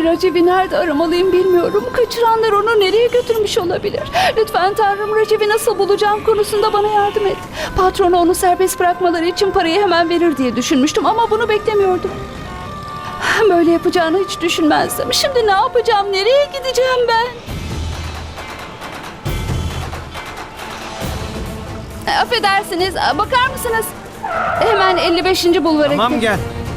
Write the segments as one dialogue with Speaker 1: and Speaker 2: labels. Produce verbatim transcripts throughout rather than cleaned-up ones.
Speaker 1: Raciv'i nerede aramalıyım bilmiyorum. Kaçıranlar onu nereye götürmüş olabilir? Lütfen Tanrım, Raciv'i nasıl bulacağım konusunda bana yardım et. Patronu onu serbest bırakmaları için parayı hemen verir diye düşünmüştüm ama bunu beklemiyordum. Böyle yapacağını hiç düşünmezdim. Şimdi ne yapacağım? Nereye gideceğim ben? Affedersiniz, bakar mısınız? Hemen elli beşinci bulvara
Speaker 2: Tamam,
Speaker 1: gidelim.
Speaker 2: gel.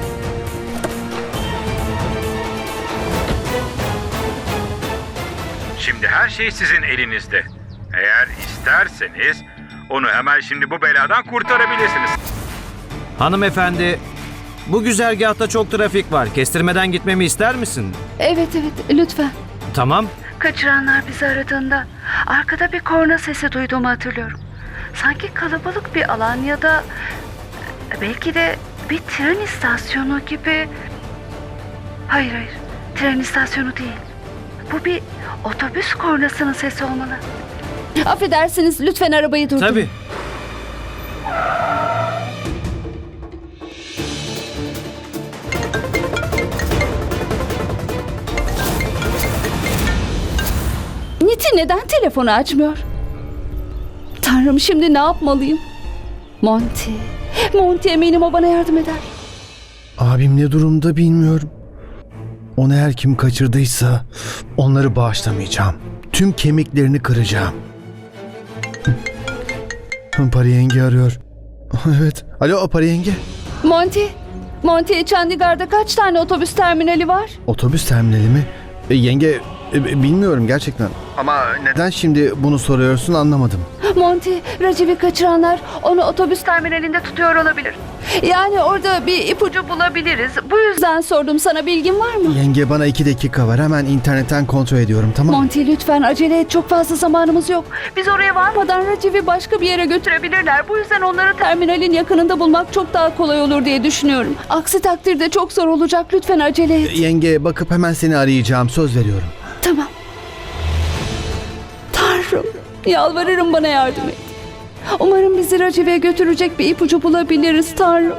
Speaker 3: Şimdi her şey sizin elinizde. Eğer isterseniz onu hemen şimdi bu beladan kurtarabilirsiniz.
Speaker 2: Hanımefendi, bu güzergahta çok trafik var. Kestirmeden gitmemi ister misin?
Speaker 1: Evet evet, lütfen.
Speaker 2: Tamam.
Speaker 1: Kaçıranlar bizi aradığında arkada bir korna sesi duyduğumu hatırlıyorum. Sanki kalabalık bir alan ya da belki de bir tren istasyonu gibi. Hayır hayır, tren istasyonu değil. Bu bir otobüs kornasının sesi olmalı. Affedersiniz, lütfen arabayı durdurun.
Speaker 2: Tabii.
Speaker 1: Niti neden telefonu açmıyor? Tanrım, şimdi ne yapmalıyım? Monty. Monty, eminim o bana yardım eder.
Speaker 4: Abim ne durumda bilmiyorum. Onu her kim kaçırdıysa onları bağışlamayacağım. Tüm kemiklerini kıracağım. Pari yenge arıyor. Evet. Alo Pari yenge.
Speaker 1: Monty. Monty, Chandigarh'da kaç tane otobüs terminali var?
Speaker 4: Otobüs terminali mi? E, yenge e, bilmiyorum gerçekten. Ama neden şimdi bunu soruyorsun anlamadım.
Speaker 1: Monty, Raciv'i kaçıranlar onu otobüs terminalinde tutuyor olabilir. Yani orada bir ipucu bulabiliriz. Bu yüzden sordum, sana bilgin var mı?
Speaker 4: Yenge bana iki dakika var. Hemen internetten kontrol ediyorum, tamam mı?
Speaker 1: Monty, lütfen acele et. Çok fazla zamanımız yok. Biz oraya varmadan Raciv'i başka bir yere götürebilirler. Bu yüzden onları terminalin yakınında bulmak çok daha kolay olur diye düşünüyorum. Aksi takdirde çok zor olacak. Lütfen acele et.
Speaker 4: Yenge bakıp hemen seni arayacağım. Söz veriyorum.
Speaker 1: Tamam. Tanrım, yalvarırım, bana yardım et. Umarım bizi Raciv'e götürecek bir ipucu bulabiliriz Tanrım.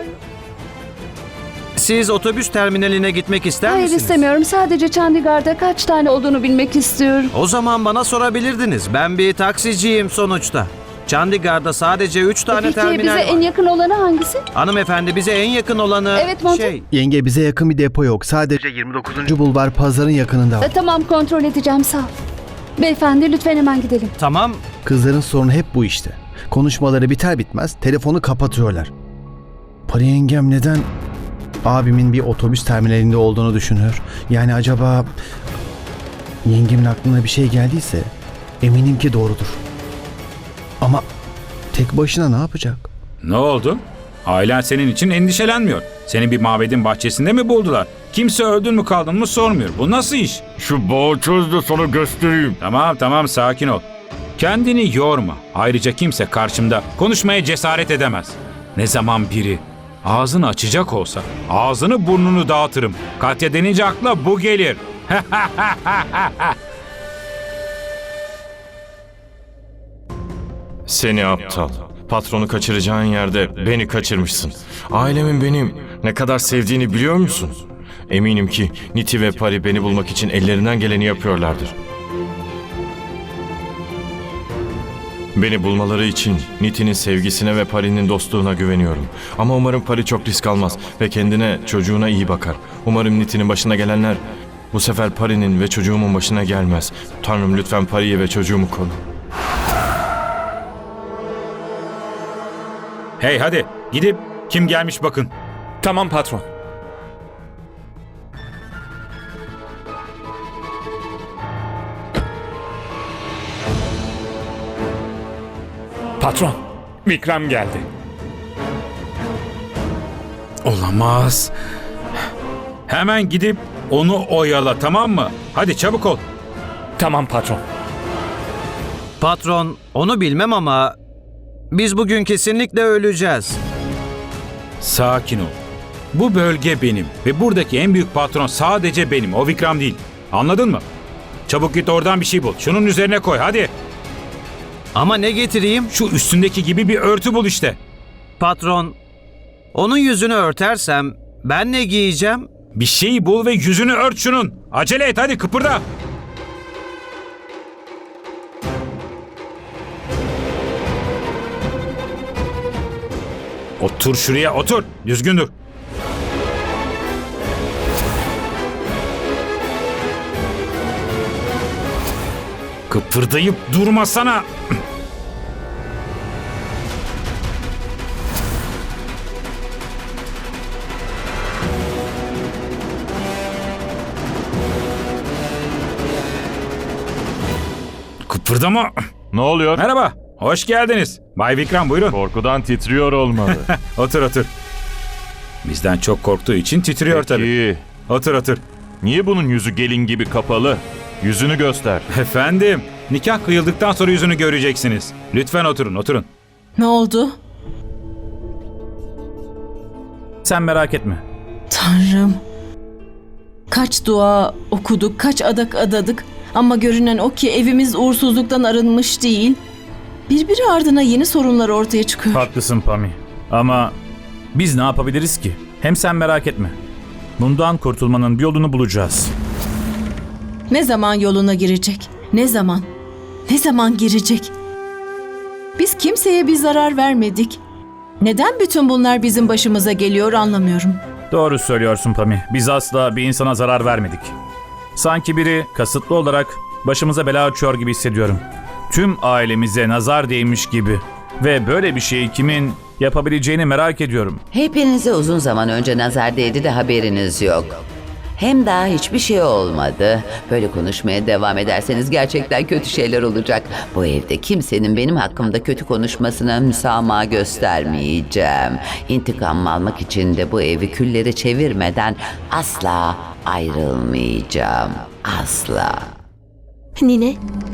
Speaker 2: Siz otobüs terminaline gitmek ister
Speaker 1: Hayır,
Speaker 2: misiniz?
Speaker 1: istemiyorum. Sadece Chandigarh'da kaç tane olduğunu bilmek istiyorum.
Speaker 2: O zaman bana sorabilirdiniz. Ben bir taksiciyim sonuçta. Chandigarh'da sadece üç tane
Speaker 1: Peki
Speaker 2: terminal
Speaker 1: bize
Speaker 2: var.
Speaker 1: en yakın olanı hangisi?
Speaker 2: Hanımefendi, bize en yakın olanı
Speaker 1: Evet, Monty.
Speaker 2: şey...
Speaker 4: Yenge bize yakın bir depo yok. Sadece yirmi dokuzuncu bulvar pazarın yakınında
Speaker 1: E,
Speaker 4: var.
Speaker 1: tamam, kontrol edeceğim, sağ ol. Beyefendi, lütfen hemen gidelim.
Speaker 2: Tamam.
Speaker 4: Kızların sorunu hep bu işte. Konuşmaları biter bitmez telefonu kapatıyorlar. Pari yengem neden abimin bir otobüs terminalinde olduğunu düşünüyor? Yani acaba yengemin aklına bir şey geldiyse eminim ki doğrudur. Ama tek başına ne yapacak?
Speaker 3: Ne oldu? Ailen senin için endişelenmiyor. Seni bir mabedin bahçesinde mi buldular? Kimse öldün mü kaldın mı sormuyor. Bu nasıl iş?
Speaker 5: Şu bağı çöz de sana göstereyim.
Speaker 3: Tamam tamam, sakin ol. Kendini yorma. Ayrıca kimse karşımda konuşmaya cesaret edemez. Ne zaman biri ağzını açacak olsa ağzını burnunu dağıtırım. Katya denince akla bu gelir.
Speaker 5: Seni aptal. Patronu kaçıracağın yerde beni kaçırmışsın. Ailemin benim ne kadar sevdiğini biliyor musun? Eminim ki Niti ve Pari beni bulmak için ellerinden geleni yapıyorlardır. Beni bulmaları için Niti'nin sevgisine ve Pari'nin dostluğuna güveniyorum. Ama umarım Pari çok risk almaz ve kendine, çocuğuna iyi bakar. Umarım Niti'nin başına gelenler bu sefer Pari'nin ve çocuğumun başına gelmez. Tanrım, lütfen Pari'yi ve çocuğumu koru.
Speaker 3: Hey hadi gidip kim gelmiş bakın.
Speaker 6: Tamam patron. Patron, Vikram geldi.
Speaker 3: Olamaz. Hemen gidip onu oyala, tamam mı? Hadi çabuk ol.
Speaker 6: Tamam patron.
Speaker 2: Patron, onu bilmem ama biz bugün kesinlikle öleceğiz.
Speaker 3: Sakin ol. Bu bölge benim ve buradaki en büyük patron sadece benim. O Vikram değil. Anladın mı? Çabuk git oradan bir şey bul. Şunun üzerine koy hadi.
Speaker 2: Ama ne getireyim?
Speaker 3: Şu üstündeki gibi bir örtü bul işte.
Speaker 2: Patron, onun yüzünü örtersem ben ne giyeceğim?
Speaker 3: Bir şey bul ve yüzünü ört şunun. Acele et, hadi kıpırda. Otur şuraya, otur. Düzgün dur. Kıpırdayıp durmasana. Kıpırdama.
Speaker 7: Ne oluyor?
Speaker 3: Merhaba, hoş geldiniz. Bay Vikram, buyurun.
Speaker 7: Korkudan titriyor olmalı.
Speaker 3: Otur, otur. Bizden çok korktuğu için titriyor tabii.
Speaker 7: Peki,
Speaker 3: Otur, otur.
Speaker 7: niye bunun yüzü gelin gibi kapalı? Yüzünü göster.
Speaker 3: Efendim, nikah kıyıldıktan sonra yüzünü göreceksiniz. Lütfen oturun, oturun.
Speaker 8: Ne oldu?
Speaker 3: Sen merak etme.
Speaker 8: Tanrım. Kaç dua okuduk, kaç adak adadık. Ama görünen o ki evimiz uğursuzluktan arınmış değil. Birbiri ardına yeni sorunlar ortaya çıkıyor.
Speaker 9: Haklısın Pami. Ama biz ne yapabiliriz ki? Hem sen merak etme. Bundan kurtulmanın bir yolunu bulacağız.
Speaker 8: Ne zaman yoluna girecek? Ne zaman? Ne zaman girecek? Biz kimseye bir zarar vermedik. Neden bütün bunlar bizim başımıza geliyor anlamıyorum.
Speaker 9: Doğru söylüyorsun Pami. Biz asla bir insana zarar vermedik. Sanki biri kasıtlı olarak başımıza bela açıyor gibi hissediyorum. Tüm ailemize nazar değmiş gibi. Ve böyle bir şeyi kimin yapabileceğini merak ediyorum.
Speaker 10: Hepinize uzun zaman önce nazar değdi de haberiniz yok. Hem daha hiçbir şey olmadı. Böyle konuşmaya devam ederseniz gerçekten kötü şeyler olacak. Bu evde kimsenin benim hakkımda kötü konuşmasına müsamaha göstermeyeceğim. İntikam almak için de bu evi küllere çevirmeden asla ayrılmayacağım. Asla.
Speaker 11: Nine,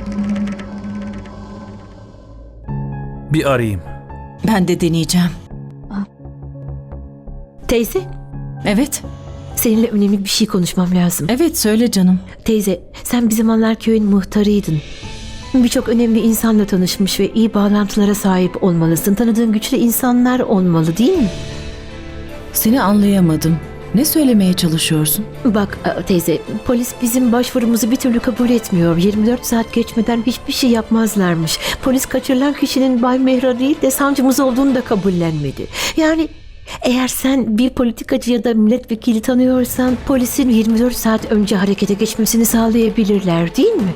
Speaker 9: Bir arayayım.
Speaker 8: Ben de deneyeceğim.
Speaker 11: teyze,
Speaker 8: Evet,
Speaker 11: seninle önemli bir şey konuşmam lazım.
Speaker 8: evet söyle canım.
Speaker 11: Teyze, sen bir zamanlar köyün muhtarıydın. Birçok önemli insanla tanışmış ve iyi bağlantılara sahip olmalısın. Tanıdığın güçlü insanlar olmalı değil mi?
Speaker 8: Seni anlayamadım. Ne söylemeye çalışıyorsun?
Speaker 11: Bak e, teyze, polis bizim başvurumuzu bir türlü kabul etmiyor. yirmi dört saat geçmeden hiçbir şey yapmazlarmış. Polis kaçırılan kişinin Bay Mehra değil de savcımız olduğunu da kabullenmedi. Yani eğer sen bir politikacı ya da milletvekili tanıyorsan polisin yirmi dört saat önce harekete geçmesini sağlayabilirler değil mi?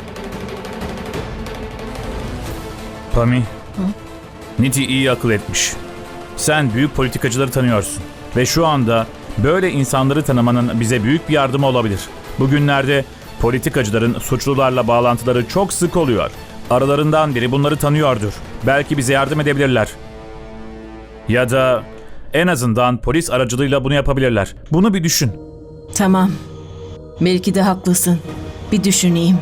Speaker 9: Pami. Niti iyi akıl etmiş. Sen büyük politikacıları tanıyorsun. Ve şu anda böyle insanları tanımanın bize büyük bir yardımı olabilir. Bugünlerde politikacıların suçlularla bağlantıları çok sık oluyor. Aralarından biri bunları tanıyordur. Belki bize yardım edebilirler. Ya da en azından polis aracılığıyla bunu yapabilirler. Bunu bir düşün.
Speaker 8: Tamam. Belki de haklısın. Bir düşüneyim.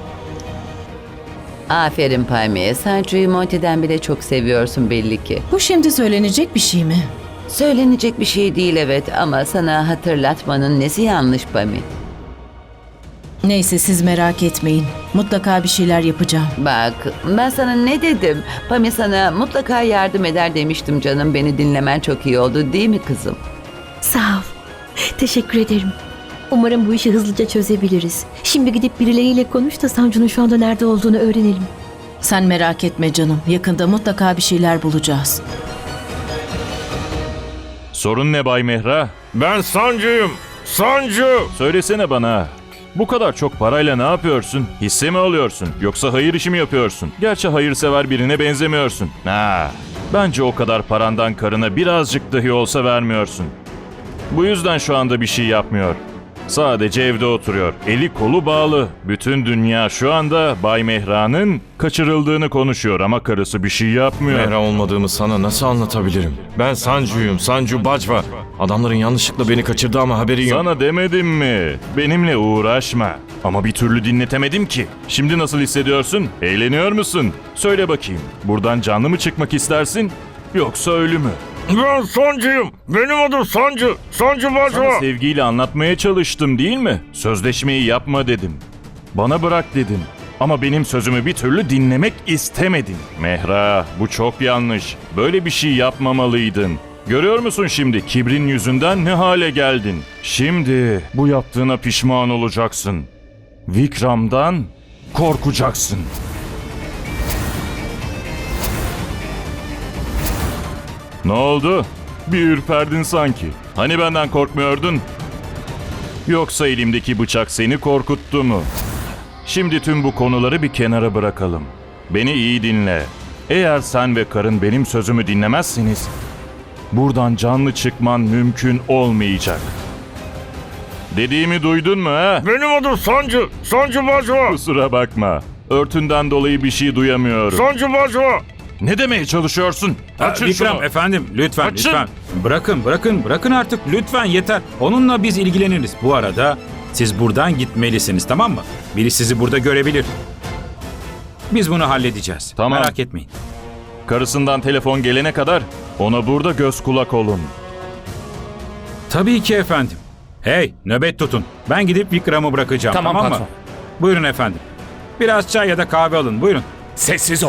Speaker 10: Aferin Palmiye. Sancho'yu Monty'den bile çok seviyorsun belli ki.
Speaker 8: Bu şimdi söylenecek bir şey mi?
Speaker 10: Söylenecek bir şey değil evet ama sana hatırlatmanın nesi yanlış Pami?
Speaker 8: Neyse siz merak etmeyin. Mutlaka bir şeyler yapacağım.
Speaker 10: Bak ben sana ne dedim? Pami sana mutlaka yardım eder demiştim canım. Beni dinlemen çok iyi oldu değil mi kızım?
Speaker 11: Sağ ol. Teşekkür ederim. Umarım bu işi hızlıca çözebiliriz. Şimdi gidip birileriyle konuş da Sancu'nun şu anda nerede olduğunu öğrenelim.
Speaker 8: Sen merak etme canım. Yakında mutlaka bir şeyler bulacağız.
Speaker 7: Sorun ne Bay Mehra?
Speaker 5: Ben Sancu'yum. Sancu.
Speaker 7: Söylesene bana. Bu kadar çok parayla ne yapıyorsun? Hisse mi alıyorsun? Yoksa hayır işi mi yapıyorsun? Gerçi hayırsever birine benzemiyorsun. Ha, bence o kadar parandan karına birazcık dahi olsa vermiyorsun. Bu yüzden şu anda bir şey yapmıyor. Sadece evde oturuyor. Eli kolu bağlı. Bütün dünya şu anda Bay Mehra'nın kaçırıldığını konuşuyor ama karısı bir şey yapmıyor.
Speaker 5: Mehra olmadığımı sana nasıl anlatabilirim? Ben Sancu'yum. Sancu Bacva. Adamların yanlışlıkla beni kaçırdı ama haberi yok.
Speaker 7: Sana demedim mi? Benimle uğraşma. Ama bir türlü dinletemedim ki. Şimdi nasıl hissediyorsun? Eğleniyor musun? Söyle bakayım. Buradan canlı mı çıkmak istersin? Yoksa ölü mü?
Speaker 5: Ben Sancu'yum. Benim adım Sancu. Sancu Bacva.
Speaker 7: Sana sevgiyle anlatmaya çalıştım değil mi? Sözleşmeyi yapma dedim. Bana bırak dedim. Ama benim sözümü bir türlü dinlemek istemedin. Mehra, bu çok yanlış. Böyle bir şey yapmamalıydın. Görüyor musun şimdi kibrin yüzünden ne hale geldin? Şimdi bu yaptığına pişman olacaksın. Vikram'dan korkacaksın. Ne oldu? Bir ürperdin sanki. Hani benden korkmuyordun? Yoksa elimdeki bıçak seni korkuttu mu? Şimdi tüm bu konuları bir kenara bırakalım. Beni iyi dinle. Eğer sen ve karın benim sözümü dinlemezseniz buradan canlı çıkman mümkün olmayacak. Dediğimi duydun mu ha?
Speaker 6: Benim adım Sancı. Sancı Bajwa.
Speaker 7: Kusura bakma. Örtünden dolayı bir şey duyamıyorum.
Speaker 6: Sancı Bajwa.
Speaker 7: Ne demeye çalışıyorsun? Açın
Speaker 3: Vikram
Speaker 7: şunu.
Speaker 3: efendim lütfen
Speaker 7: Açın.
Speaker 3: lütfen. Bırakın bırakın bırakın artık lütfen yeter. Onunla biz ilgileniriz. Bu arada siz buradan gitmelisiniz, tamam mı? Biri sizi burada görebilir. Biz bunu halledeceğiz.
Speaker 7: Tamam.
Speaker 3: Merak etmeyin.
Speaker 7: Karısından telefon gelene kadar ona burada göz kulak olun.
Speaker 3: Tabii ki efendim. Hey, nöbet tutun. Ben gidip Vikram'ı bırakacağım,
Speaker 6: Tamam,
Speaker 3: tamam, mı?
Speaker 6: patron.
Speaker 3: Buyurun efendim. Biraz çay ya da kahve alın, buyurun.
Speaker 6: Sessiz ol.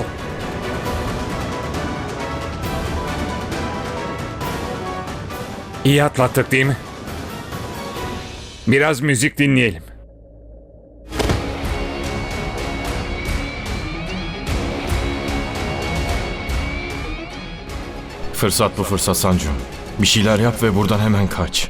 Speaker 6: İyi atlattık değil mi? Biraz müzik dinleyelim.
Speaker 5: Fırsat bu fırsat Sancu. Bir şeyler yap ve buradan hemen kaç.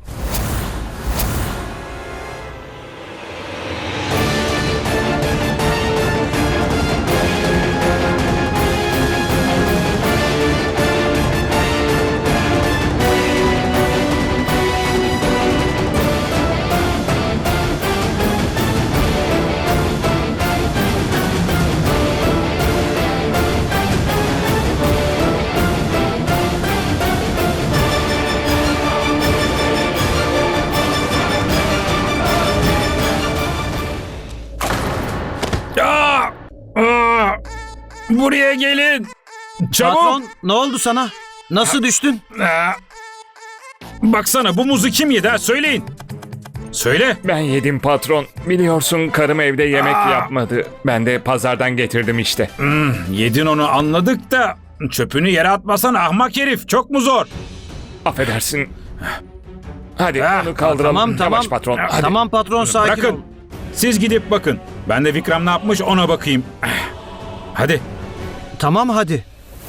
Speaker 3: Aa! Aa! Buraya gelin. Çabuk.
Speaker 2: Patron, ne oldu sana? Nasıl düştün?
Speaker 3: Aa! Baksana bu muzu kim yedi ha? Söyleyin. Söyle.
Speaker 6: Ben yedim patron. Biliyorsun karım evde yemek yapmadı. Ben de pazardan getirdim işte.
Speaker 3: Hmm, yedin onu anladık da çöpünü yere atmasan ahmak herif. Çok mu zor?
Speaker 6: Affedersin. Hadi
Speaker 3: Ah,
Speaker 6: onu kaldıralım.
Speaker 2: Tamam tamam.
Speaker 6: Yavaş patron. Hadi.
Speaker 2: Tamam patron, sakin
Speaker 3: Bırakın.
Speaker 2: ol.
Speaker 3: Siz gidip bakın. Ben de Vikram ne yapmış ona bakayım. Hadi.
Speaker 2: Tamam hadi.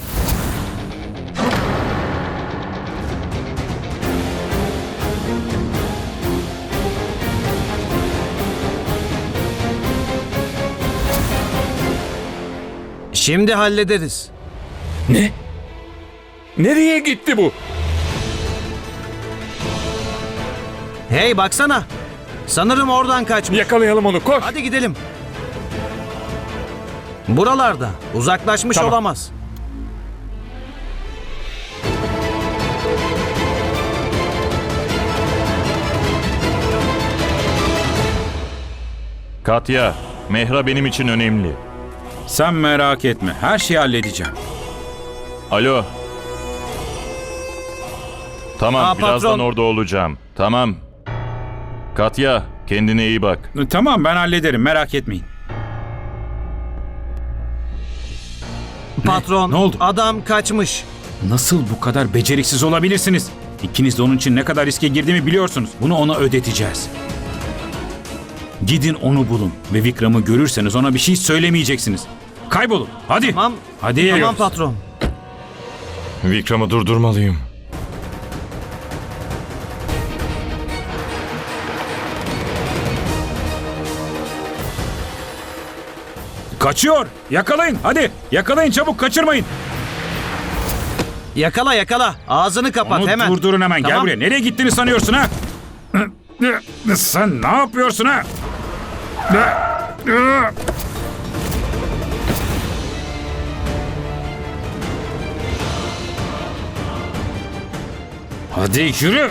Speaker 2: Şimdi hallederiz.
Speaker 6: Ne? Nereye gitti bu?
Speaker 2: Hey baksana. Sanırım oradan kaçmış.
Speaker 6: Yakalayalım onu, koş.
Speaker 2: Hadi gidelim. Buralarda. Uzaklaşmış
Speaker 6: Tamam.
Speaker 2: olamaz.
Speaker 7: Katya, Mehra benim için önemli.
Speaker 3: Sen merak etme. Her şeyi halledeceğim.
Speaker 7: Alo. Tamam,
Speaker 2: Aa,
Speaker 7: birazdan
Speaker 2: patron.
Speaker 7: orada olacağım. Tamam. Katya, kendine iyi bak.
Speaker 3: Tamam ben hallederim merak etmeyin.
Speaker 2: Patron,
Speaker 3: Ne oldu?
Speaker 2: adam kaçmış.
Speaker 3: Nasıl bu kadar beceriksiz olabilirsiniz? İkiniz de onun için ne kadar riske girdiğimi biliyorsunuz. Bunu ona ödeteceğiz. Gidin onu bulun ve Vikram'ı görürseniz ona bir şey söylemeyeceksiniz. Kaybolun. Hadi.
Speaker 2: Tamam.
Speaker 3: Hadi.
Speaker 2: Tamam patron.
Speaker 5: Vikram'ı durdurmalıyım.
Speaker 3: Kaçıyor. Yakalayın. Hadi. Yakalayın çabuk kaçırmayın.
Speaker 2: Yakala yakala. Ağzını kapat
Speaker 3: Onu
Speaker 2: hemen.
Speaker 3: durdurun hemen. Gel
Speaker 2: Tamam.
Speaker 3: buraya. Nereye gittiğini sanıyorsun ha? Sen ne yapıyorsun ha? Hadi yürü.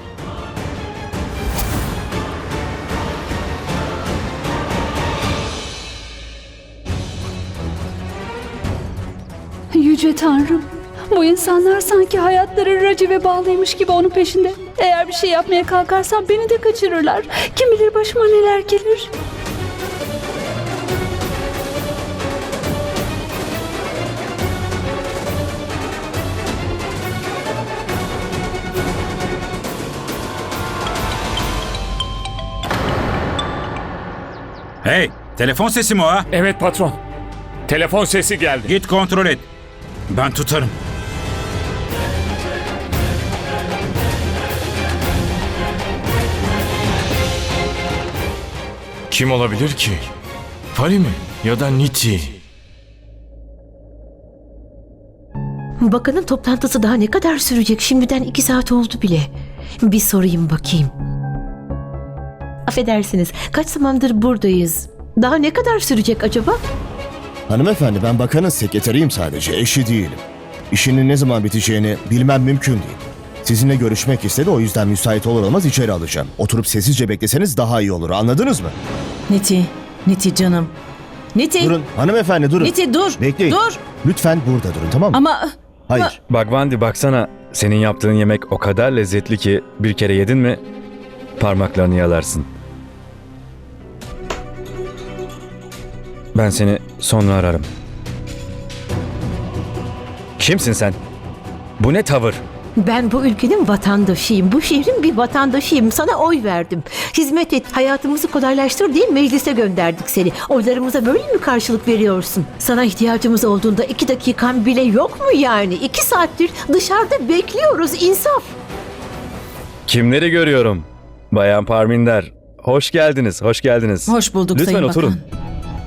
Speaker 12: Yüce Tanrım, bu insanlar sanki hayatları Raciv'e bağlıymış gibi onun peşinde. Eğer bir şey yapmaya kalkarsam beni de kaçırırlar. Kim bilir başıma neler gelir.
Speaker 3: Hey, telefon sesi mi o ha?
Speaker 6: Evet patron. Telefon sesi geldi.
Speaker 3: Git kontrol et. Ben tutarım.
Speaker 5: Kim olabilir ki? Pari mi? Ya da Niti?
Speaker 11: Bakanın toplantısı daha ne kadar sürecek? Şimdiden iki saat oldu bile. Bir sorayım bakayım. Affedersiniz, kaç zamandır buradayız? Daha ne kadar sürecek acaba?
Speaker 13: Hanımefendi, ben bakanın sekreteriyim sadece, eşi değilim. İşinin ne zaman biteceğini bilmem mümkün değil. Sizinle görüşmek istedi, o yüzden müsait olur olmaz içeri alacağım. Oturup sessizce bekleseniz daha iyi olur, anladınız mı?
Speaker 8: Niti, Niti canım. Niti.
Speaker 13: Durun, hanımefendi durun.
Speaker 8: Niti dur.
Speaker 13: Bekleyin.
Speaker 8: Dur.
Speaker 13: Lütfen burada durun, tamam mı?
Speaker 8: Ama
Speaker 13: Hayır.
Speaker 14: Bak Vandi, baksana, senin yaptığın yemek o kadar lezzetli ki bir kere yedin mi parmaklarını yalarsın. Ben seni sonra ararım. Kimsin sen? Bu ne tavır?
Speaker 11: Ben bu ülkenin vatandaşıyım. Bu şehrin bir vatandaşıyım. Sana oy verdim. Hizmet et, hayatımızı kolaylaştır diye meclise gönderdik seni. Oylarımıza böyle mi karşılık veriyorsun? Sana ihtiyacımız olduğunda iki dakikan bile yok mu yani? İki saattir dışarıda bekliyoruz, insaf.
Speaker 14: Kimleri görüyorum? Bayan Parminder, hoş geldiniz, hoş geldiniz.
Speaker 8: hoş bulduk
Speaker 14: Lütfen
Speaker 8: Sayın
Speaker 14: oturun.
Speaker 8: Bakan.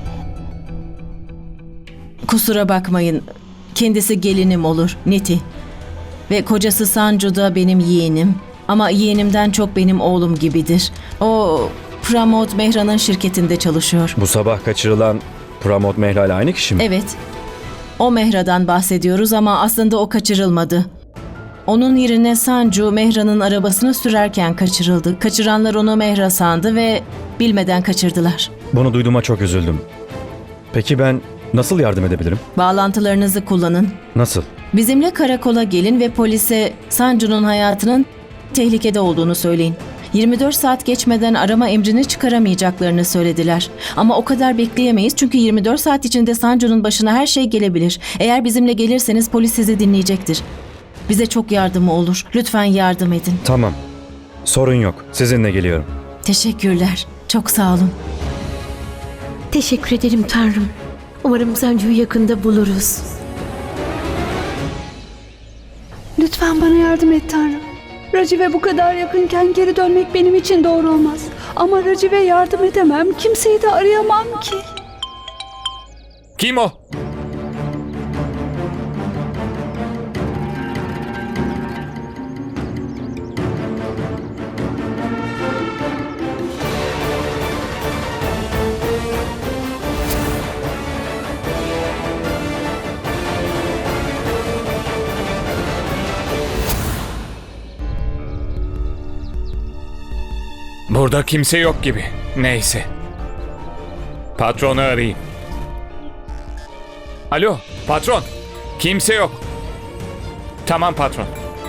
Speaker 8: Kusura bakmayın. Kendisi gelinim olur, Niti. Ve kocası Sancu da benim yeğenim. Ama yeğenimden çok benim oğlum gibidir. O Pramod Mehra'nın şirketinde çalışıyor.
Speaker 14: Bu sabah kaçırılan Pramod Mehra ile aynı kişi mi?
Speaker 8: Evet. O Mehra'dan bahsediyoruz ama aslında o kaçırılmadı. Onun yerine Sancu Mehra'nın arabasını sürerken kaçırıldı. Kaçıranlar onu Mehra sandı ve bilmeden kaçırdılar.
Speaker 14: Bunu duyduğuma çok üzüldüm. Peki ben nasıl yardım edebilirim?
Speaker 8: Bağlantılarınızı kullanın.
Speaker 14: Nasıl?
Speaker 8: Bizimle karakola gelin ve polise Sancu'nun hayatının tehlikede olduğunu söyleyin. yirmi dört saat geçmeden arama emrini çıkaramayacaklarını söylediler. Ama o kadar bekleyemeyiz çünkü yirmi dört saat içinde Sancu'nun başına her şey gelebilir. Eğer bizimle gelirseniz polis sizi dinleyecektir. Bize çok yardımı olur. Lütfen yardım edin.
Speaker 14: Tamam. Sorun yok. Sizinle geliyorum.
Speaker 8: Teşekkürler. Çok sağ olun.
Speaker 11: Teşekkür ederim Tanrım. Umarım Sancu'yu yakında buluruz.
Speaker 12: Lütfen bana yardım et Tanrım. Racive bu kadar yakınken geri dönmek benim için doğru olmaz. Ama Racive yardım edemem. Kimseyi de arayamam ki.
Speaker 6: Kim o? Burada kimse yok gibi. Neyse. Patronu arayayım. Alo, patron. Kimse yok. Tamam patron.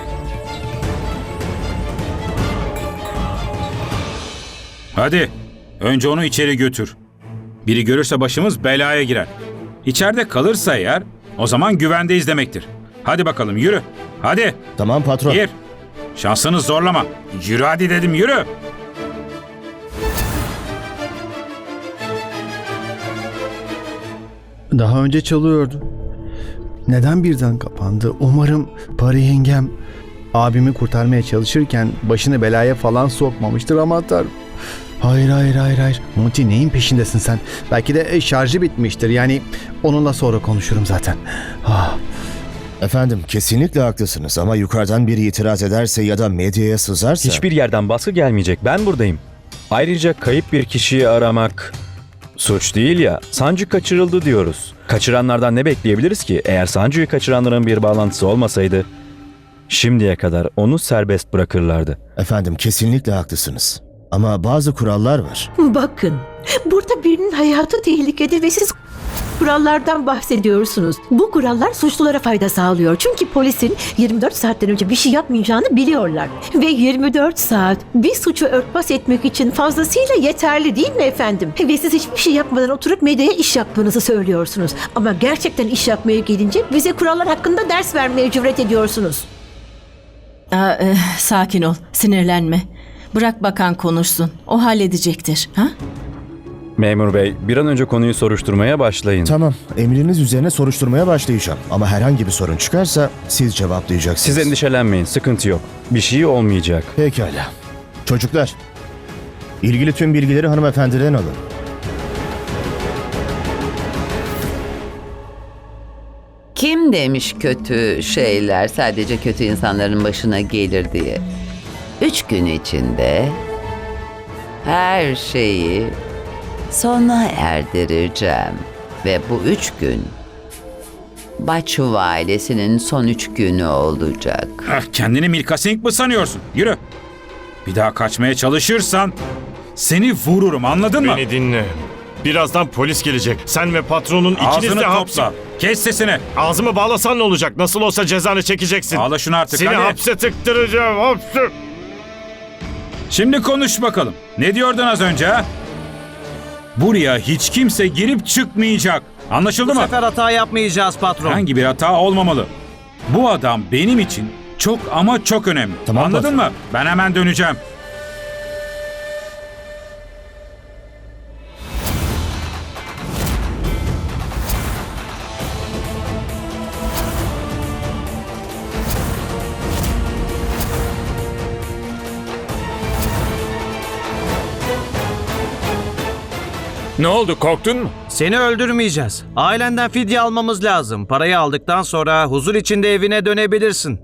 Speaker 3: Hadi, önce onu içeri götür. Biri görürse başımız belaya girer. İçeride kalırsa eğer, o zaman güvendeyiz demektir. Hadi bakalım yürü. Hadi.
Speaker 13: Tamam patron.
Speaker 3: Gir. Şansını zorlama. Yürü hadi dedim, yürü.
Speaker 4: Daha önce çalıyordu. Neden birden kapandı? Umarım Pari yengem abimi kurtarmaya çalışırken başını belaya falan sokmamıştır, aman tanrım. Hayır hayır hayır hayır. Monty, neyin peşindesin sen? Belki de e, şarjı bitmiştir. Yani onunla sonra konuşurum zaten. Ah.
Speaker 13: Efendim, kesinlikle haklısınız ama yukarıdan biri itiraz ederse ya da medyaya sızarsa...
Speaker 14: Hiçbir yerden baskı gelmeyecek. Ben buradayım. Ayrıca kayıp bir kişiyi aramak suç değil ya. Sancu kaçırıldı diyoruz. Kaçıranlardan ne bekleyebiliriz ki? Eğer Sancu'yu kaçıranların bir bağlantısı olmasaydı şimdiye kadar onu serbest bırakırlardı.
Speaker 13: Efendim, kesinlikle haklısınız. Ama bazı kurallar var.
Speaker 11: Bakın, burada birinin hayatı tehlikede ve siz kurallardan bahsediyorsunuz. Bu kurallar suçlulara fayda sağlıyor. Çünkü polisin yirmi dört saatten önce bir şey yapmayacağını biliyorlar. Ve yirmi dört saat bir suçu örtbas etmek için fazlasıyla yeterli değil mi efendim? Ve siz hiçbir şey yapmadan oturup medyaya iş yaptığınızı söylüyorsunuz. Ama gerçekten iş yapmaya gelince bize kurallar hakkında ders vermeye cüret ediyorsunuz.
Speaker 8: Aa, e, sakin ol. Sinirlenme. Bırak bakan konuşsun. O halledecektir. Ha?
Speaker 14: Memur bey, bir an önce konuyu soruşturmaya başlayın.
Speaker 13: Tamam, emriniz üzerine soruşturmaya başlayacağım. Ama herhangi bir sorun çıkarsa siz cevaplayacaksınız.
Speaker 14: Siz endişelenmeyin, sıkıntı yok. Bir şey olmayacak.
Speaker 13: Pekala. Çocuklar, ilgili tüm bilgileri hanımefendiden alın.
Speaker 10: Kim demiş kötü şeyler sadece kötü insanların başına gelir diye? Üç gün içinde her şeyi sona erdireceğim. Ve bu üç gün Baçu ailesinin son üç günü olacak.
Speaker 3: Ah, kendini Milka Singh mı sanıyorsun? Yürü. Bir daha kaçmaya çalışırsan seni vururum, anladın mı?
Speaker 5: Beni dinle. Birazdan polis gelecek. Sen ve patronun ikiniz
Speaker 3: Ağzını
Speaker 5: de hapse...
Speaker 3: topla. Kes sesini.
Speaker 5: Ağzımı bağlasan ne olacak? Nasıl olsa cezanı çekeceksin.
Speaker 3: Ağla şunu artık,
Speaker 5: Seni
Speaker 3: hadi.
Speaker 5: hapse tıktıracağım, hapse.
Speaker 3: Şimdi konuş bakalım. Ne diyordun az önce ha? Buraya hiç kimse girip çıkmayacak. Anlaşıldı
Speaker 2: Bu
Speaker 3: mı?
Speaker 2: sefer hata yapmayacağız patron.
Speaker 3: Herhangi bir hata olmamalı. Bu adam benim için çok ama çok önemli.
Speaker 13: Tamam,
Speaker 3: Anladın
Speaker 13: patron.
Speaker 3: mı? Ben hemen döneceğim.
Speaker 6: Ne oldu, korktun mu?
Speaker 2: Seni öldürmeyeceğiz. Ailenden fidye almamız lazım. Parayı aldıktan sonra huzur içinde evine dönebilirsin.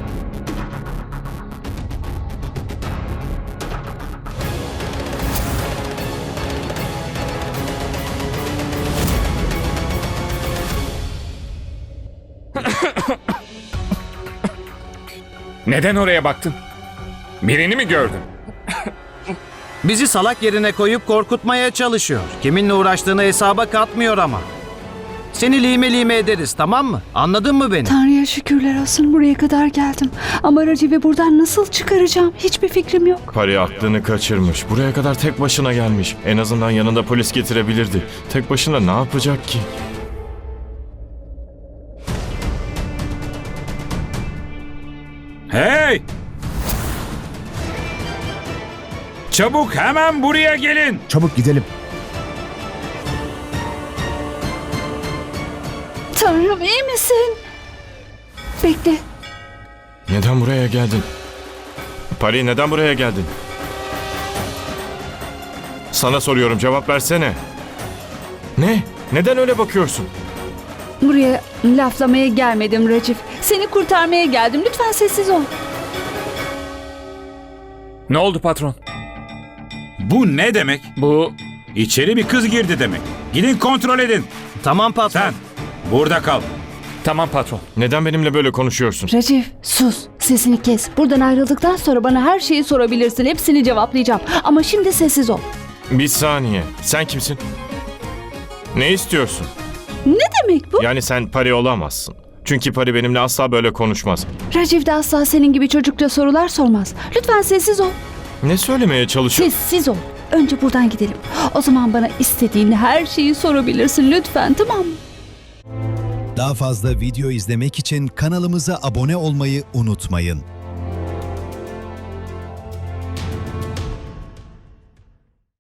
Speaker 6: Neden oraya baktın? Birini mi gördün?
Speaker 2: Bizi salak yerine koyup korkutmaya çalışıyor. Kiminle uğraştığını hesaba katmıyor ama. Seni lime lime ederiz, tamam mı? Anladın mı beni?
Speaker 12: Tanrı'ya şükürler olsun buraya kadar geldim. Ama Raciv'i buradan nasıl çıkaracağım? Hiçbir fikrim yok.
Speaker 5: Pari aklını kaçırmış. Buraya kadar tek başına gelmiş. En azından yanında polis getirebilirdi. Tek başına ne yapacak ki?
Speaker 3: Hey! Çabuk hemen buraya gelin.
Speaker 13: Çabuk gidelim.
Speaker 12: Tanrım, iyi misin? Bekle.
Speaker 5: Neden buraya geldin? Pari, neden buraya geldin? Sana soruyorum, cevap versene. Ne? Neden öyle bakıyorsun?
Speaker 12: Buraya laflamaya gelmedim Raciv. Seni kurtarmaya geldim. Lütfen sessiz ol.
Speaker 6: Ne oldu patron?
Speaker 3: Bu ne demek?
Speaker 6: Bu
Speaker 3: İçeri bir kız girdi demek. Gidin kontrol edin.
Speaker 2: Tamam patron.
Speaker 3: Sen burada kal.
Speaker 6: tamam patron.
Speaker 5: Neden benimle böyle konuşuyorsun?
Speaker 12: Raciv, sus. Sesini kes. Buradan ayrıldıktan sonra bana her şeyi sorabilirsin. Hepsini cevaplayacağım. Ama şimdi sessiz ol.
Speaker 5: Bir saniye. Sen kimsin? Ne istiyorsun?
Speaker 12: Ne demek bu?
Speaker 5: Yani sen Pari olamazsın. Çünkü Pari benimle asla böyle konuşmaz.
Speaker 12: Raciv de asla senin gibi çocukça sorular sormaz. Lütfen sessiz ol.
Speaker 5: Ne söylemeye çalışıyor?
Speaker 12: Sessiz ol. Önce buradan gidelim. O zaman bana istediğin her şeyi sorabilirsin. Lütfen, tamam mı?
Speaker 15: Daha fazla video izlemek için kanalımıza abone olmayı unutmayın.